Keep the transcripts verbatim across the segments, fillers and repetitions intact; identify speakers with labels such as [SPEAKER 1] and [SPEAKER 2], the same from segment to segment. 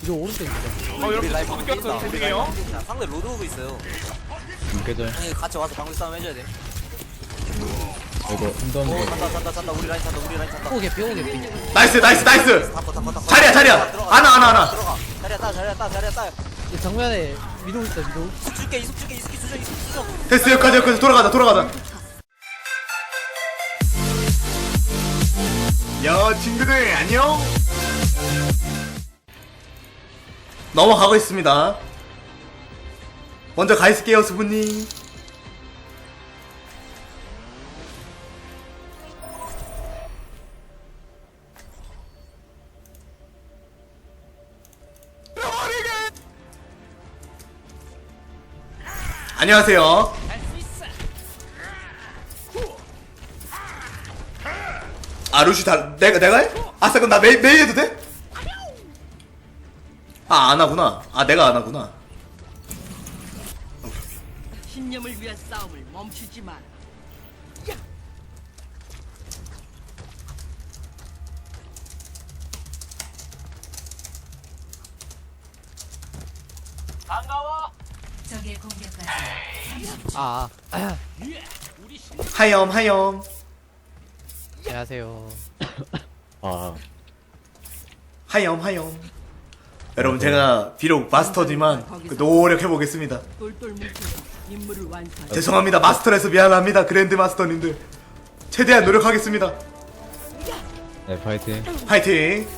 [SPEAKER 1] 이거 오른쪽 있어.
[SPEAKER 2] 어 여러분 또 느꼈어요. 죄송해요.
[SPEAKER 3] 상대 로드 오브 있어요.
[SPEAKER 4] 깨져요.
[SPEAKER 3] 형이 같이 와서 방울 싸움 해줘야 돼.
[SPEAKER 4] 이거 힘든
[SPEAKER 3] 오
[SPEAKER 4] 거.
[SPEAKER 3] 잔다 잔다 잔다 우리 라인 잔다 우리 라인 잔다.
[SPEAKER 1] 오 개피 오 개피.
[SPEAKER 5] 나이스 나이스 나이스.
[SPEAKER 3] 닦고 닦고 닦고.
[SPEAKER 5] 자리야 자리야.
[SPEAKER 3] 들어가.
[SPEAKER 5] 하나 하나 하나.
[SPEAKER 3] 들어가. 자리야 따 자리야 따 자리야 따.
[SPEAKER 1] 이 정면에 위도 있어 위도.
[SPEAKER 3] 이속 줄게 이속 줄게 이속 수정 이속 수정.
[SPEAKER 5] 됐어 여기까지 여기까지 돌아가자 돌아가자. 야 친구들 안녕. 넘어가고 있습니다. 먼저 가 있을게요 수부님. 안녕하세요. 아 루시 다 내가 내가 해? 아싸 그럼 나 메이 메이 해도 돼? 아 안 하구나. 아 내가 안 하구나.
[SPEAKER 6] 신념을 위한 싸움을 멈추지 마라.
[SPEAKER 7] 적의 공격까지
[SPEAKER 1] 아, 아.
[SPEAKER 5] 하염 하염.
[SPEAKER 1] 안녕하세요.
[SPEAKER 4] 아,
[SPEAKER 5] 하염 하염. 여러분 제가 비록 마스터지만 그 노력해 보겠습니다.
[SPEAKER 6] 똘똘 뭉쳐서 임무를 완수하라.
[SPEAKER 5] 죄송합니다 마스터라서 미안합니다 그랜드 마스터님들. 최대한 노력하겠습니다.
[SPEAKER 4] 네 파이팅.
[SPEAKER 5] 파이팅.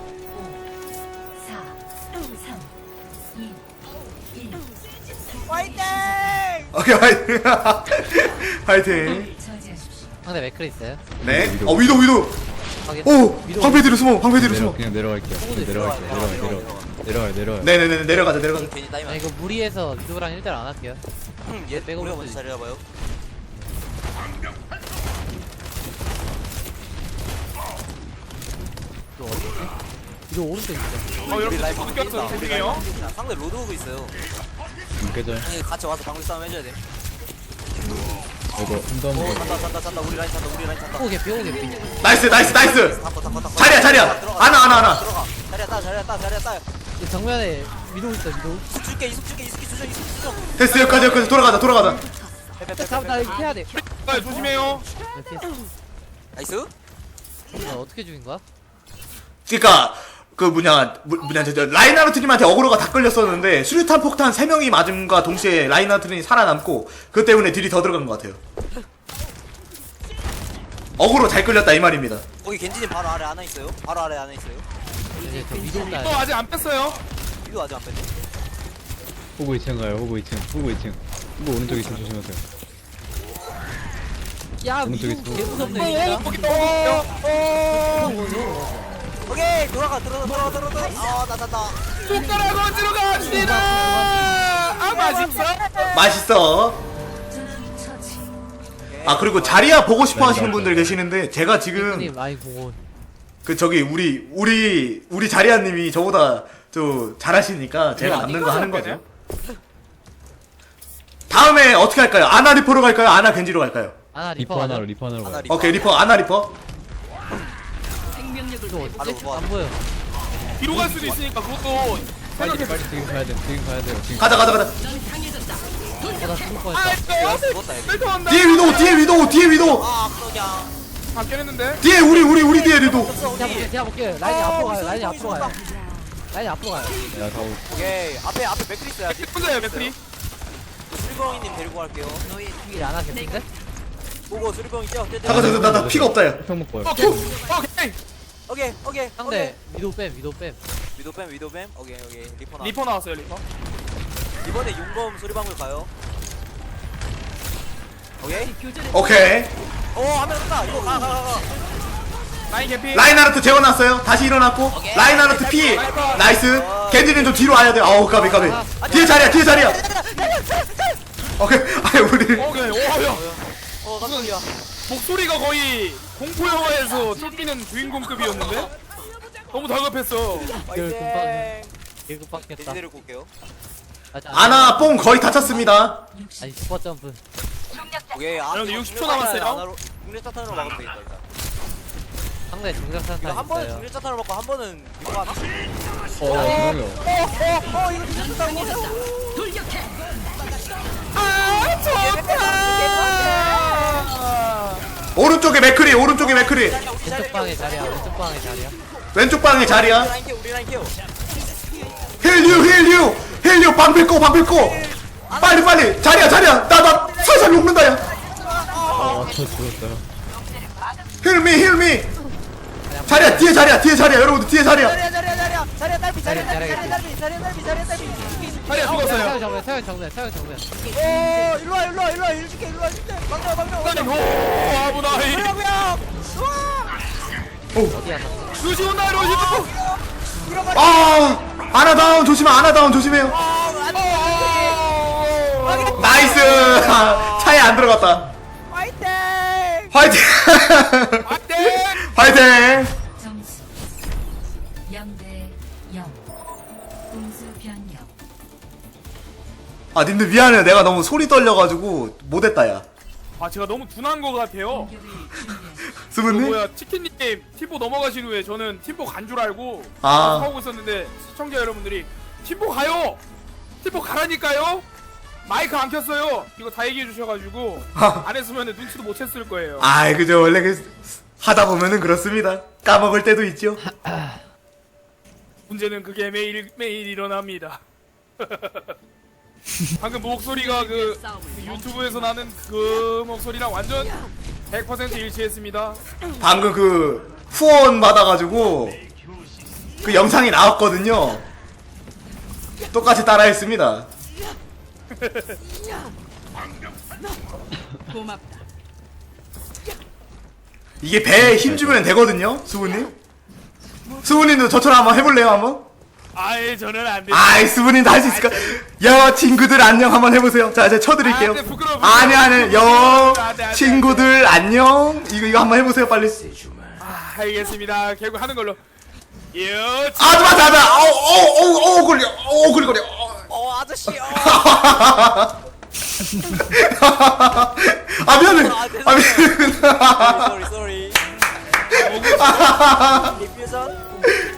[SPEAKER 7] 사, 삼, 이, 일.
[SPEAKER 3] 화이팅!
[SPEAKER 5] 오케이 파이팅. 파이팅.
[SPEAKER 7] 저지하십시오.
[SPEAKER 1] 상대 맥크리 있어요?
[SPEAKER 5] 네. 어 위도 위도.
[SPEAKER 1] 확인.
[SPEAKER 5] 오 방패 뒤로 숨어 방패 뒤로
[SPEAKER 4] 내려
[SPEAKER 5] 숨어.
[SPEAKER 4] 그냥 내려갈게요. 그냥 내려갈게요. 내려가 내려가 내려가 내려가.
[SPEAKER 5] 네네네 내려가자 내려가자.
[SPEAKER 3] 괜히
[SPEAKER 1] 아
[SPEAKER 3] 따이면.
[SPEAKER 1] 이거 무리해서 위도랑 일 대 일 안 할게요.
[SPEAKER 3] 얘
[SPEAKER 1] 빼고
[SPEAKER 3] 우리가
[SPEAKER 1] 볼수
[SPEAKER 3] 먼저 자리 잡아요.
[SPEAKER 1] 위도 어디 있지? 위도 오른쪽 있어.
[SPEAKER 2] 어
[SPEAKER 3] 우리
[SPEAKER 2] 여러분
[SPEAKER 3] 라인
[SPEAKER 2] 또
[SPEAKER 3] 방울
[SPEAKER 2] 느꼈어요.
[SPEAKER 3] 뛴다.
[SPEAKER 2] 죄송해요.
[SPEAKER 3] 상대 로드 오브 있어요.
[SPEAKER 4] 깨져요.
[SPEAKER 3] 형이 같이 와서 방울 싸움 해줘야 돼.
[SPEAKER 4] 이거 힘든
[SPEAKER 3] 오
[SPEAKER 4] 거.
[SPEAKER 3] 잔다 잔다 잔다 우리 라인 잔다 우리 라인 잔다.
[SPEAKER 1] 오 개피 오 개피.
[SPEAKER 5] 나이스 나이스 나이스.
[SPEAKER 3] 닦고 닦고 닦고.
[SPEAKER 5] 자리야 자리야.
[SPEAKER 3] 들어가.
[SPEAKER 5] 하나 하나 하나.
[SPEAKER 3] 들어가. 자리야 따 자리야 따 자리야 따.
[SPEAKER 1] 이 정면에 위도 있어 위도.
[SPEAKER 3] 이속 줄게 이속 줄게 이속 수정 이속 수정.
[SPEAKER 5] 됐어 여기까지 여기까지 돌아가자 돌아가자.
[SPEAKER 1] 잠깐 나 이거 해야 돼.
[SPEAKER 2] 아, 조심해요.
[SPEAKER 1] 네, 피했어.
[SPEAKER 3] 나이스.
[SPEAKER 1] 나 어떻게 죽인 거야?
[SPEAKER 5] 그니까 그 뭐냐 뭐, 뭐냐 저, 저 라인하르트님한테 어그로가 다 끌렸었는데 수류탄 폭탄 세 명이 맞음과 동시에 라인하르트님이 살아남고 그것 때문에 딜이 더 들어간 것 같아요. 어그로 잘 끌렸다 이 말입니다.
[SPEAKER 3] 거기 겐지님 바로 아래 하나 있어요. 바로 아래 하나 있어요.
[SPEAKER 1] 이제 저 위도
[SPEAKER 2] 또
[SPEAKER 1] 온다.
[SPEAKER 2] 아직 안 뺐어요.
[SPEAKER 3] 이거 아직 안 뺐네.
[SPEAKER 4] 호구 이 층 가요. 호구 이 층. 호구 이 층. 호구 오른쪽 이 층 조심하세요.
[SPEAKER 1] 야
[SPEAKER 4] 오른쪽
[SPEAKER 1] 위도
[SPEAKER 4] 있어.
[SPEAKER 1] 개 무섭네
[SPEAKER 2] 오,
[SPEAKER 1] 진짜.
[SPEAKER 2] 거기 또. 어.
[SPEAKER 3] 오케이 돌아가 들어가 들어가 들어가. 아나 나 나.
[SPEAKER 2] 손가락으로 들어갑니다. 아 맛있어.
[SPEAKER 5] 맛있어.
[SPEAKER 7] 처치.
[SPEAKER 5] 아 그리고 자리야 보고 싶어 하시는 분들 계시는데 제가 지금
[SPEAKER 1] 님 아이 공원.
[SPEAKER 5] 그 저기 우리 우리 우리 자리야님이 저보다 저 잘하시니까 제가 남는 거 하는 거죠. 다음에 어떻게 할까요? 아나 리퍼로 갈까요? 아나 겐지로 갈까요?
[SPEAKER 1] 아나
[SPEAKER 4] 리퍼
[SPEAKER 1] 리퍼
[SPEAKER 4] 하나로
[SPEAKER 1] 가자.
[SPEAKER 4] 리퍼 하나로
[SPEAKER 3] 하나
[SPEAKER 4] 가요.
[SPEAKER 3] 리퍼.
[SPEAKER 5] 오케이 리퍼 아나 리퍼.
[SPEAKER 6] 생명력을
[SPEAKER 1] 위도
[SPEAKER 6] 회복.
[SPEAKER 3] 바로
[SPEAKER 1] 어딨지?
[SPEAKER 3] 뭐
[SPEAKER 1] 안 보여.
[SPEAKER 2] 뒤로 갈 수도 있으니까 그것도
[SPEAKER 4] 빨리
[SPEAKER 2] 생각해.
[SPEAKER 4] 빨리 지금 가야 돼. 지금 가야 돼요. 지금.
[SPEAKER 5] 가자 가자 가자.
[SPEAKER 1] 어나 죽을
[SPEAKER 2] 아,
[SPEAKER 1] 뻔했다.
[SPEAKER 3] 야
[SPEAKER 2] 이거
[SPEAKER 3] 죽었다 얘.
[SPEAKER 2] 뺄터한다.
[SPEAKER 5] 뒤에 위도 뒤에 위도 뒤에 위도.
[SPEAKER 3] 아 그냥.
[SPEAKER 2] 바뀌었는데.
[SPEAKER 5] 뒤에 우리 우리 우리 뒤에 위도.
[SPEAKER 3] 없어
[SPEAKER 1] 제가 볼게
[SPEAKER 3] 우리.
[SPEAKER 1] 제가 볼게. 라인이
[SPEAKER 3] 어,
[SPEAKER 1] 앞으로 가요.
[SPEAKER 3] 우리
[SPEAKER 1] 라인이
[SPEAKER 3] 손
[SPEAKER 1] 앞으로 가요. 라인이 앞으로 가요.
[SPEAKER 4] 야, 다 오.
[SPEAKER 3] 오케이 앞에 앞에 맥크리 있어야지.
[SPEAKER 2] 혼자예요 맥크리.
[SPEAKER 3] 수리광이님 데리고 갈게요.
[SPEAKER 1] 너희 죽일 안 하겠는데?
[SPEAKER 3] 보고 수리광이 뛰어 뛰어.
[SPEAKER 5] 잠깐 잠깐 나나 피가 없다 야.
[SPEAKER 4] 평 먹고요.
[SPEAKER 2] 오케이. 오케이.
[SPEAKER 3] 오케이 오케이.
[SPEAKER 1] 상대 위도 뺨 위도 뺨.
[SPEAKER 3] 위도 뱀 위도 뱀. 오케이 오케이 리퍼 나.
[SPEAKER 2] 리퍼 나왔어요 리퍼.
[SPEAKER 3] 이번에 용검 수리방울 가요. 오케이.
[SPEAKER 6] 교전에
[SPEAKER 5] 오케이.
[SPEAKER 3] 오한명 쏜다. 이거 가 가 가 가.
[SPEAKER 2] 라인 개피.
[SPEAKER 5] 라인하르트 재워놨어요. 다시 일어났고 라인하르트 피. 나이스. 겐지는 좀 뒤로 와야 돼. 아우 까비 까비. 뒤에 자리야 뒤에 자리야. 오케이. 아니 우리
[SPEAKER 2] 오케이. 오야.
[SPEAKER 3] 어 깜짝이야.
[SPEAKER 2] 목소리가 거의 공포 영화에서 쫓기는 주인공급이었는데 너무 다급했어.
[SPEAKER 3] 파이팅.
[SPEAKER 1] 개그 빡겠다.
[SPEAKER 3] 돼지 데리고 올게요.
[SPEAKER 5] 아나 뽕 거의 다 찼습니다.
[SPEAKER 1] 아니 슈퍼 점프.
[SPEAKER 3] 오케이. 아,
[SPEAKER 2] 여러분, 육십 초 남았어요.
[SPEAKER 3] 국내 스타트로 막으면 되겠다 일단.
[SPEAKER 1] 상대 중력탄
[SPEAKER 3] 이거 한 번은
[SPEAKER 1] 있어요.
[SPEAKER 3] 중력자탄을 먹고 한 번은 이거 하나?
[SPEAKER 4] 어 이거요.
[SPEAKER 3] 어어어 이거 중력자탄
[SPEAKER 6] 돌격해.
[SPEAKER 5] 오른쪽에 맥크리 오른쪽에 맥크리
[SPEAKER 1] 왼쪽 방에 자리야. 왼쪽 방에 자리야.
[SPEAKER 5] 왼쪽 방에 자리야.
[SPEAKER 3] 우리 라인 케어 우리 라인 케어
[SPEAKER 5] 힐류 힐류 힐류 방패 꺼 방패 꺼 빨리 빨리 자리야 자리야 나 나 살살 녹는다 야
[SPEAKER 4] 아저 죽었어요.
[SPEAKER 5] 힐미 힐미 자리야 뒤에 자리야 뒤에 자리야 여러분들 뒤에 자리야
[SPEAKER 3] 자리야 자리야 자리야 자리야 딸피 자리야 딸피
[SPEAKER 1] 자리야,
[SPEAKER 3] 자리야 딸피 자리야 딸피 자리야 딸피
[SPEAKER 2] 자리야
[SPEAKER 1] 태양
[SPEAKER 2] 죽었어요.
[SPEAKER 1] 정면, 태양 정면, 태양 정면.
[SPEAKER 3] 오 일로와 일로와 일로와 일 줄게 일로와 줄게 막내와 막내와
[SPEAKER 2] 아니 오 아부나이.
[SPEAKER 3] 뭐야
[SPEAKER 1] 어디야? 너?
[SPEAKER 2] 루시 온다 루시.
[SPEAKER 5] 아 아나다운 조심해 아나다운 조심해요 나이스 차에 안 들어갔다
[SPEAKER 3] 화이팅
[SPEAKER 5] 화이팅 화이팅
[SPEAKER 7] 점수 영 대 영. 공수 변경.
[SPEAKER 5] 아 님들 미안해요 내가 너무 소리 떨려가지고 못했다 야
[SPEAKER 2] 아 제가 너무 둔한 것 같아요.
[SPEAKER 7] 공격을 준비하십시오.
[SPEAKER 2] 그
[SPEAKER 5] 스분님
[SPEAKER 2] 뭐야 치킨님 팀보 넘어가신 후에 저는 팀보 간 줄 알고
[SPEAKER 5] 아.
[SPEAKER 2] 하고 있었는데 시청자 여러분들이 팀보 가요. 팀보 가라니까요. 마이크 안 켰어요. 이거 다 얘기해 주셔가지고 안 했으면 눈치도 못 챘을 거예요.
[SPEAKER 5] 아이 그죠 원래 그 하다 보면은 그렇습니다 까먹을 때도 있죠
[SPEAKER 2] 문제는 그게 매일 매일 일어납니다. 방금 목소리가 그, 그 유튜브에서 나는 그 목소리랑 완전 백 퍼센트 일치했습니다.
[SPEAKER 5] 방금 그 후원 받아가지고 그 영상이 나왔거든요 똑같이 따라했습니다
[SPEAKER 6] 고맙다.
[SPEAKER 5] 이게 배에 힘 주면 되거든요 수분님 수분님도 저처럼 한번 해볼래요 한번?
[SPEAKER 2] 아예 저는 안 돼.
[SPEAKER 5] 아이 수분님도 할 수 있을까? 여 친구들 안녕 한번 해보세요 자 제가 쳐드릴게요
[SPEAKER 2] 아, 네, 부끄러워, 부끄러워.
[SPEAKER 5] 아니 아니 여
[SPEAKER 2] 안 돼, 안 돼,
[SPEAKER 5] 친구들 안녕 이거 이거 한번 해보세요 빨리
[SPEAKER 2] 아, 알겠습니다. 결국 하는 걸로. 여
[SPEAKER 5] 아 맞아 맞아 어어어어 걸려 어 걸려 걸려
[SPEAKER 3] 어 아저씨 어
[SPEAKER 5] 아 미안해 아 미안해
[SPEAKER 3] 쏘리 쏘리 디퓨전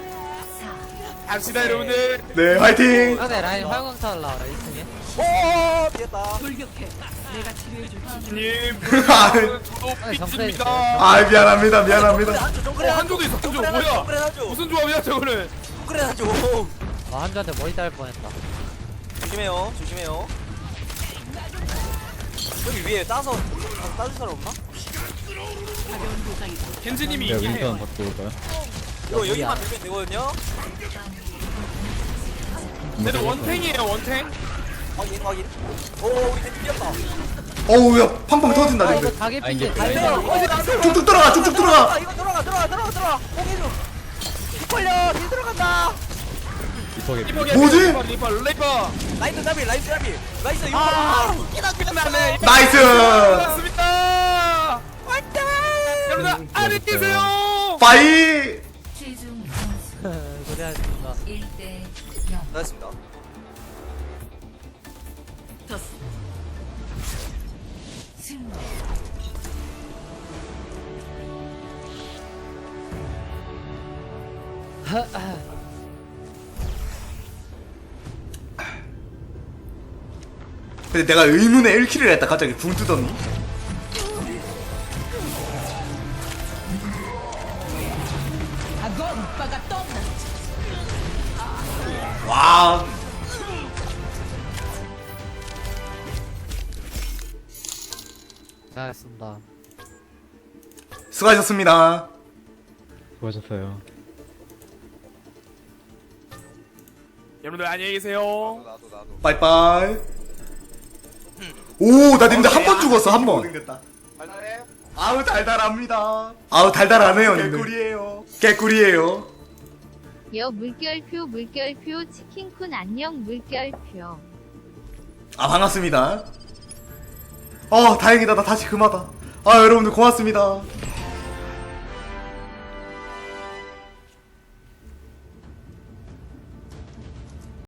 [SPEAKER 2] 갑시다 여러분들.
[SPEAKER 5] 네 화이팅
[SPEAKER 1] 상대 라인 화영광탄 나와라. 일 층에.
[SPEAKER 3] 오 피했다
[SPEAKER 6] 돌격해. 내가 치료해줄게.
[SPEAKER 2] 님,
[SPEAKER 5] 아,
[SPEAKER 2] 저도
[SPEAKER 1] 아니,
[SPEAKER 2] 삐집니다.
[SPEAKER 5] 아 미안합니다 미안합니다
[SPEAKER 3] 한조
[SPEAKER 2] 어,
[SPEAKER 3] 정글에
[SPEAKER 2] 한조도 있어. 한조
[SPEAKER 3] 정글에
[SPEAKER 2] 뭐야?
[SPEAKER 3] 정글에 한조
[SPEAKER 2] 무슨 조합이야 저거는?
[SPEAKER 3] 정글에 한조
[SPEAKER 1] 아, 한주한테 머리 딸 뻔했다.
[SPEAKER 3] 조심해요 조심해요 여기 위에 따서 아, 따줄 사람 없나?
[SPEAKER 6] 가벼운 부상이다.
[SPEAKER 2] 겐지님이
[SPEAKER 4] 야
[SPEAKER 2] 있긴
[SPEAKER 4] 윈선
[SPEAKER 2] 해요.
[SPEAKER 4] 바꿔 올까요?
[SPEAKER 3] 이거 여기만 들면 되거든요?
[SPEAKER 2] 근데 원탱이에요 원탱.
[SPEAKER 3] 확인 확인 오 우리 템 뛰었다
[SPEAKER 5] 어우 야 팡팡 터진다
[SPEAKER 1] 아, 이거
[SPEAKER 5] 근데
[SPEAKER 1] 다개
[SPEAKER 4] 아, 이게
[SPEAKER 1] 핀데 다개
[SPEAKER 4] 라인
[SPEAKER 1] 핀데.
[SPEAKER 5] 쭉쭉 들어가 쭉쭉 들어가
[SPEAKER 3] 아 이거 들어가 들어가 들어가 들어가 포기해줘 걸려 뒤 들어간다
[SPEAKER 4] 이퍼게
[SPEAKER 2] 리퍼
[SPEAKER 5] 뭐지?
[SPEAKER 2] 리퍼 리퍼 리퍼.
[SPEAKER 3] 라이트 잡이 라이트 잡이 라이트 이거
[SPEAKER 2] 아,
[SPEAKER 3] 웃기다
[SPEAKER 2] 끝나네.
[SPEAKER 5] 나이스
[SPEAKER 2] 끝났습니다.
[SPEAKER 3] 화이팅
[SPEAKER 2] 여러분 안녕히 계세요.
[SPEAKER 5] 빠이
[SPEAKER 7] 최종 점수
[SPEAKER 1] 고생하셨습니다.
[SPEAKER 7] 일 대 영.
[SPEAKER 3] 나이스입니다
[SPEAKER 6] 더
[SPEAKER 7] 승리.
[SPEAKER 5] 근데 내가 의문의 일 킬을 했다 갑자기 붕 뜨더니
[SPEAKER 6] 악어 오빠가 떠나.
[SPEAKER 5] 와
[SPEAKER 1] 고생하셨습니다.
[SPEAKER 5] 수고하셨습니다
[SPEAKER 4] 수고하셨어요.
[SPEAKER 2] 여러분들 안녕히 계세요.
[SPEAKER 3] 나도 나도
[SPEAKER 5] 빠이빠이 오 나 님들 한 번 죽었어 한번
[SPEAKER 3] 달달해?
[SPEAKER 5] 아우 달달합니다 아우 달달하네요 개꿀이에요 개꿀이에요
[SPEAKER 8] 여 물결표 물결표 치킨쿤 안녕 물결표.
[SPEAKER 5] 아 반갑습니다 어 다행이다 나 다시 금하다 아 여러분들 고맙습니다